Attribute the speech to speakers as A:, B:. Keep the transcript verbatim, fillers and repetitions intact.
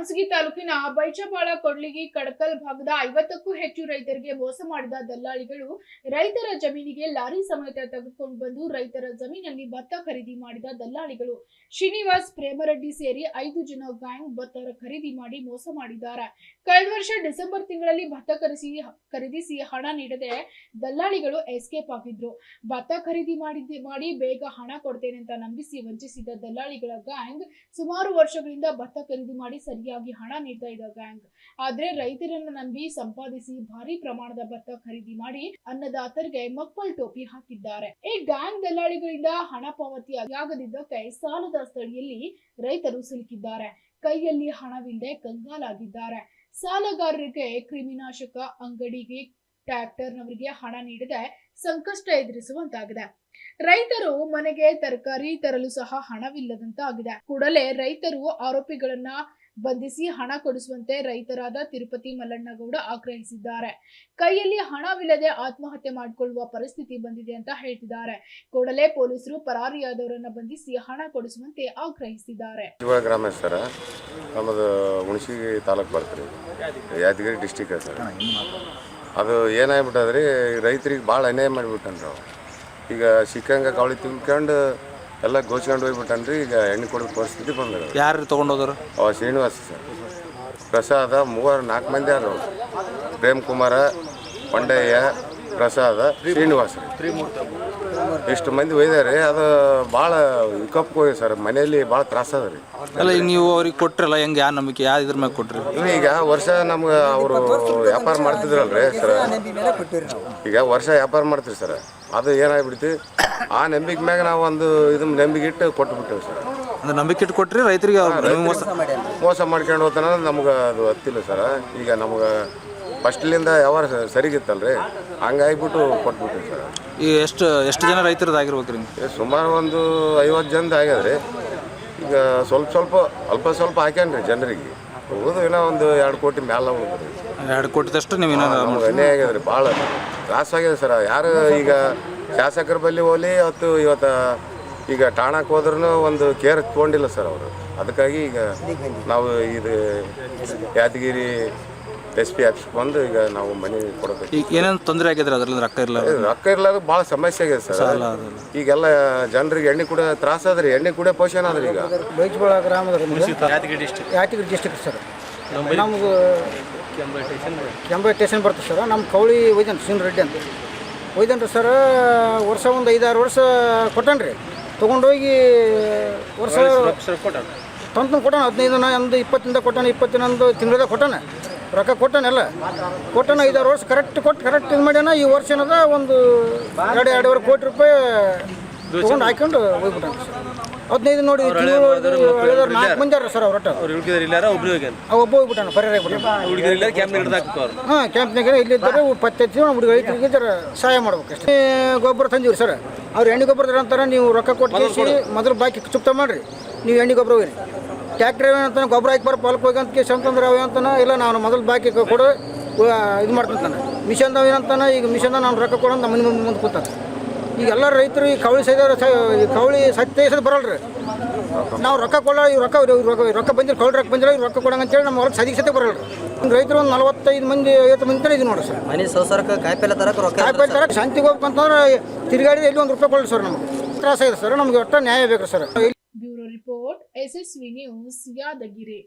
A: ಹುಣಸಗಿ ತಾಲೂಕಿನ ಬೈಚಪಾಳ ಕೊಡ್ಲಿಗಿ ಕಡಕಲ್ ಭಾಗದ ಐವತ್ತಕ್ಕೂ ಹೆಚ್ಚು ರೈತರಿಗೆ ಮೋಸ ಮಾಡಿದ ದಲ್ಲಾಳಿಗಳು ರೈತರ ಜಮೀನಿಗೆ ಲಾರಿ ಸಮೇತ ತೆಗೆದುಕೊಂಡು ಬಂದು ರೈತರ ಜಮೀನಲ್ಲಿ ಭತ್ತ ಖರೀದಿ ಮಾಡಿದ ದಲ್ಲಾಳಿಗಳು ಶ್ರೀನಿವಾಸ್ ಪ್ರೇಮರೆಡ್ಡಿ ಸೇರಿ ಐದು ಜನ ಗ್ಯಾಂಗ್ ಭತ್ತ ಖರೀದಿ ಮಾಡಿ ಮೋಸ ಮಾಡಿದ್ದಾರೆ. ಕಳೆದ ವರ್ಷ ಡಿಸೆಂಬರ್ ತಿಂಗಳಲ್ಲಿ ಭತ್ತ ಖರೀದಿ ಖರೀದಿಸಿ ಹಣ ನೀಡದೆ ದಲ್ಲಾಳಿಗಳು ಎಸ್ಕೇಪ್ ಆಗಿದ್ರು. ಭತ್ತ ಖರೀದಿ ಮಾಡಿದ್ದೆ ಮಾಡಿ ಬೇಗ ಹಣ ಕೊಡ್ತೇನೆ ಅಂತ ನಂಬಿಸಿ ವಂಚಿಸಿದ ದಲ್ಲಾಳಿಗಳ ಗ್ಯಾಂಗ್ ಸುಮಾರು ವರ್ಷಗಳಿಂದ ಭತ್ತ ಖರೀದಿ ಮಾಡಿ ಸರಿಯಾಗಿ ಹಣ ನೀಡ್ತಾ ಇದ್ದ ಗ್ಯಾಂಗ್. ಆದ್ರೆ ರೈತರನ್ನ ನಂಬಿ ಸಂಪಾದಿಸಿ ಭಾರಿ ಪ್ರಮಾಣದ ಭತ್ತ ಖರೀದಿ ಮಾಡಿ ಅನ್ನದಾತರಿಗೆ ಮಕ್ಕಳ ಟೋಪಿ ಹಾಕಿದ್ದಾರೆ. ಈ ಗ್ಯಾಂಗ್ ದಲ್ಲಾಳಿಗಳಿಂದ ಹಣ ಪಾವತಿ ಆಗದಿದ್ದಕ್ಕೆ ಸಾಲದ ಸ್ಥಳಿಯಲ್ಲಿ ರೈತರು ಸಿಲುಕಿದ್ದಾರೆ. ಕೈಯಲ್ಲಿ ಹಣವಿಲ್ಲದೆ ಕಂಗಾಲಾಗಿದ್ದಾರೆ. ಸಾಲಗಾರರಿಗೆ ಕ್ರಿಮಿನಾಶಕ ಅಂಗಡಿಗೆ ಟ್ರ್ಯಾಕ್ಟರ್ನವರಿಗೆ ಹಣ ನೀಡದೆ ಸಂಕಷ್ಟ ಎದುರಿಸುವಂತಾಗಿದೆ. ರೈತರು ಮನೆಗೆ ತರಕಾರಿ ತರಲು ಸಹ ಹಣವಿಲ್ಲದಂತಾಗಿದೆ. ಕೂಡಲೇ ರೈತರು ಆರೋಪಿಗಳನ್ನ ಬಂಧಿಸಿ ಹಣ ಕೊಡಿಸುವಂತೆ ರೈತರಾದ ತಿರುಪತಿ ಮಲ್ಲಣ್ಣಗೌಡ ಆಗ್ರಹಿಸಿದ್ದಾರೆ. ಕೈಯಲ್ಲಿ ಹಣವಿಲ್ಲದೆ ಆತ್ಮಹತ್ಯೆ ಮಾಡಿಕೊಳ್ಳುವ ಪರಿಸ್ಥಿತಿ ಬಂದಿದೆ ಅಂತ ಹೇಳ್ತಿದ್ದಾರೆ. ಕೂಡಲೇ ಪೊಲೀಸರು ಪರಾರಿಯಾದವರನ್ನ ಬಂಧಿಸಿ ಹಣ ಕೊಡಿಸುವಂತೆ ಆಗ್ರಹಿಸಿದ್ದಾರೆ.
B: ಗ್ರಾಮಸ್ಥರ ನಮ್ಮದು ಹುಣಸಗಿ ತಾಲೂಕು ಬರ್ತೀರಿ, ಯಾದಗಿರಿ ಡಿಸ್ಟಿಕ್ ಸರ್. ಅದು ಏನಾಗ್ಬಿಟ್ಟದ್ರಿ, ರೈತರಿಗೆ ಭಾಳ ಅನ್ಯಾಯ ಮಾಡಿಬಿಟ್ಟನ್ರಿ. ಅವು ಈಗ ಸಿಕ್ಕಂಗ ಕವಳಿ ತಿಳ್ಕೊಂಡು ಎಲ್ಲ ಗೋಚ್ಕೊಂಡು ಹೋಗ್ಬಿಟ್ಟನ್ರಿ. ಈಗ ಎಣ್ಣೆ ಕೊಡೋ ಪರಿಸ್ಥಿತಿ ಬಂದ.
C: ಯಾರು ತೊಗೊಂಡೋದ್ರು?
B: ಅವ ಶ್ರೀನಿವಾಸ ಸರ್, ಪ್ರಸಾದ, ಮೂವರು ನಾಲ್ಕು ಮಂದಿ ಯಾರು, ಪ್ರೇಮ್ ಕುಮಾರ, ಪಂಡಯ್ಯ, ಪ್ರಸಾದ, ಶ್ರೀನಿವಾಸ, ಇಷ್ಟು ಮಂದಿ ಒಯ್ದಾರೆ. ಅದು ಭಾಳ ವಿಕಪ್ಗೆ ಹೋಗಿ ಸರ್. ಮನೆಯಲ್ಲಿ ಭಾಳ ತ್ರಾಸ ಅದ ರೀ.
C: ಅಲ್ಲ, ಈಗ ನೀವು ಅವ್ರಿಗೆ ಕೊಟ್ರಲ್ಲ, ಹೆಂಗೆ ಯಾವ ನಂಬಿಕೆ ಯಾವ ಇದ್ರ ಮೇಲೆ ಕೊಟ್ರಿ?
B: ಈಗ ವರ್ಷ ನಮ್ಗೆ ಅವರು ವ್ಯಾಪಾರ ಮಾಡ್ತಿದ್ರಲ್ರಿ ಸರ್. ಈಗ ವರ್ಷ ವ್ಯಾಪಾರ ಮಾಡ್ತೀವಿ ಸರ್. ಅದು ಏನಾಗ್ಬಿಡ್ತಿ, ಆ ನಂಬಿಕೆ ಮ್ಯಾಗ ನಾವು ಒಂದು ಇದನ್ನ ನಂಬಿಕೆ ಇಟ್ಟು ಕೊಟ್ಬಿಟ್ಟೇವೆ ಸರ್.
C: ಅಂದ್ರೆ ನಂಬಿಕೆ ಇಟ್ಟು ಕೊಟ್ರಿ ರೈತರಿಗೆ ಮೋಸ
B: ಮೋಸ ಮಾಡ್ಕೊಂಡು ಹೋಗ್ತಾನ. ನಮ್ಗೆ ಅದು ಹತ್ತಿಲ್ಲ ಸರ್. ಈಗ ನಮ್ಗೆ ಫಸ್ಟ್ಲಿಂದ ವ್ಯವಹಾರ ಸರಿಗಿತ್ತಲ್ರಿ, ಹಂಗಾಗಿಬಿಟ್ಟು ಕೊಟ್ಬಿಟ್ಟಿವಿ ಸರ್.
C: ಈಗ ಎಷ್ಟು ಎಷ್ಟು ಜನ ರೈತರದ್ದು ಆಗಿರ್ಬೇಕು ರೀ?
B: ಸುಮಾರು ಒಂದು ಐವತ್ತು ಜನದ ಆಗ್ಯದ್ರಿ. ಈಗ ಸ್ವಲ್ಪ ಸ್ವಲ್ಪ ಅಲ್ಪ ಸ್ವಲ್ಪ ಹಾಕ್ಯಾನ್ರಿ ಜನರಿಗೆ. ಹೋಗೋದು ಏನೋ ಒಂದು ಎರಡು ಕೋಟಿ ಮ್ಯಾಲ ಹೋಗ್ರಿ.
C: ಎರಡು ಕೋಟಿದಷ್ಟು ನೀವು
B: ನಮ್ಗೆ ಅನ್ಯಾಯ ಆಗ್ಯದ್ರಿ. ಭಾಳ ತ್ರಾಸ ಆಗಿದೆ ಸರ್. ಯಾರು ಈಗ ಶಾಸಕರ ಬಳಿ ಹೋಲಿ ಅವತ್ತು ಇವತ್ತು ಈಗ ಠಾಣಕ್ಕೆ ಹೋದ್ರೂ ಒಂದು ಕೇರ್ ತೊಗೊಂಡಿಲ್ಲ ಸರ್ ಅವರು. ಅದಕ್ಕಾಗಿ ಈಗ ನಾವು ಇದು ಯಾದಗಿರಿ ಎಸ್ ಪಿ ಆಫೀಸ್ ಬಂದು ಈಗ ನಾವು ಮನೆ ಕೊಡಬೇಕು.
C: ಈಗ ಏನೇನು ತೊಂದರೆ ಆಗಿದ್ರೆ ಅದ್ರಲ್ಲಿ ರೊಕ್ಕ ಇರಲ್ಲ
B: ರೊಕ್ಕ ಇರ್ಲಾದ ಭಾಳ ಸಮಸ್ಯೆ ಆಗಿದೆ ಸರ್. ಈಗೆಲ್ಲ ಜನರಿಗೆ ಎಣ್ಣೆ ಕೂಡ ತ್ರಾಸ ಅದ್ರಿ. ಎಣ್ಣೆ ಕೂಡ ಪೋಷಣೆ ಅದ್ರಿ. ಈಗ
D: ಬೈಚಪಾಳ ಗ್ರಾಮದ Yadgir district Yadgir district sir. ನಮ್ಗೆ ಕೆಂಬೆ ಸ್ಟೇಷನ್ ಬರ್ತದೆ ಸರ್. ನಮ್ಮ ಕೌಳಿ ಒಯ್ದನ್ ಶ್ರೀನ್ ರೆಡ್ಡಿ ಅಂತ ಒಯ್ದನ್ರಿ ಸರ್. ವರ್ಷ ಒಂದು ಐದಾರು ವರ್ಷ ಕೊಟ್ಟನ್ರಿ. ತೊಗೊಂಡೋಗಿ ವರ್ಷ ತಂದು ಕೊಟ್ಟಾನ. ಹದಿನೈದು ದಿನ ಒಂದು ಇಪ್ಪತ್ತಿಂದ ಕೊಟ್ಟಾನ, ಇಪ್ಪತ್ತಿನೊಂದು ತಿಂಗಳದ ಕೊಟ್ಟಾನ. ರೊಕ್ಕ ಕೊಟ್ಟಾನೆಲ್ಲ ಕೊಟ್ಟಾನ. ಐದಾರು ವರ್ಷ ಕರೆಕ್ಟ್ ಕೊಟ್ಟು ಕರೆಕ್ಟ್ ಇದು ಮಾಡ್ಯಾನ. ಈ ವರ್ಷ ಏನದ ಒಂದು ಎರಡು ಎರಡೂವರೆ ಕೋಟಿ ರೂಪಾಯಿ ತೊಗೊಂಡು ಹಾಕೊಂಡು ಹೋಗ್ಬಿಟ್ಟಾನ ಸರ್. ಹದಿನೈದು ನೋಡಿ ತಿಂಗಳು ನಾಲ್ಕು ಮಂದಿ ಅರ ಸರ್. ಅವ್ರ ಒಬ್ಬ ಹೋಗ್ಬಿಟ್ಟಾನ, ಪರಿಹಾರ ಆಗ್ಬಿಟ್ಟಾನ. ಹಾಂ, ಕ್ಯಾಂಪ್ನಾಗ ಇಲ್ಲಿದ್ದಾರೆ ಪತ್ತೆ ಹುಡುಗ ರೈತರಿಗೆ ಜರ ಸಹಾಯ ಮಾಡ್ಬೇಕು ಅಷ್ಟೇ. ಗೊಬ್ಬರ ತಂದಿವ್ರಿ ಸರ್. ಅವ್ರು ಎಣ್ಣೆ ಗೊಬ್ಬರ ಅಂತಾರೆ, ನೀವು ರೊಕ್ಕ ಕೊಟ್ಟು ಮೊದಲು ಬಾಕಿ ಚುಕ್ತ ಮಾಡಿರಿ, ನೀವು ಎಣ್ಣೆ ಗೊಬ್ಬರ ಹೋಗ್ರಿ. ಟ್ಯಾಕ್ಟ್ರ್ ಏನಂತಾನೆ ಗೊಬ್ಬರ ಹಾಕಿ ಬರೋ ಪಾಲಕ್ಕೆ ಹೋಗಿ ಅಂತ ಕೇಸ್ ಅಂತಂದ್ರೆ ಅವ ಅಂತಾನೆ, ಇಲ್ಲ ನಾನು ಮೊದಲು ಬಾಕಿ ಕೊಡು ಇದು ಮಾಡ್ಕೊಂತಾನೆ. ಮಿಷನ್ದವ ಏನಂತಾನೆ, ಈಗ ಮಿಷನ್ದ ನಾನು ರೊಕ್ಕ ಕೊಡೋದು ನಮ್ಮ ಮನೆ ಮುಂದೆ ಮುಂದೆ ಕೂತಾನೆ. ಈಗ ಎಲ್ಲ ರೈತರು ಈ ಕವಳಿ ಸೈದವ್ರು ಈ ಕವಳಿ ಸತ್ಯಸದ ಬರಲ್ರಿ. ನಾವು ರೊಕ್ಕ ಕೊಡೋ ಇವ್ ರೊಕ್ಕ ರೊಕ್ಕ ರೊಕ್ಕ ಬಂದಿಲ್ಲ, ಕವಳಿ ರೊಕ್ಕ ಬಂದಿಲ್ಲ, ಇವ್ರು ರೊಕ್ಕ ಕೊಡಂಗೆ ಅಂತೇಳಿ ನಮ್ಮ ಹೊರಗೆ ಸದಿಗೆ ಸತ್ಯ ಬರಲ್ರಿ. ರೈತರು ಒಂದು ನಲವತ್ತೈದು ಮಂದಿ ಐವತ್ತು ಮಂದಿ ತರ ಇದು ನೋಡಿ ಸರ್.
E: ಮನೆ ಸಂಸಾರಕ್ಕೆ ಕಾಯಿಪಲ್ಲೆ ತರಕ್ಕೆ ರೊಕ್ಕ
D: ಕಾಯಿಪಲ್ಲೆ ತರಕ್ಕೆ ಶಾಂತಿಗೆ ಹೋಗ್ಬೇಕಂತಂದ್ರೆ ತಿರುಗಾಡಿ ಎಲ್ಲಿ ಒಂದು ರೂಪಾಯಿ ಕೊಡಲಿ ಸರ್. ನಮಗೆ ತ್ರಾಸ ಇದೆ ಸರ್. ನಮಗೆ ಒಟ್ಟು ನ್ಯಾಯ ಬೇಕು sir.
A: Bureau report, S S V news, Yadgir.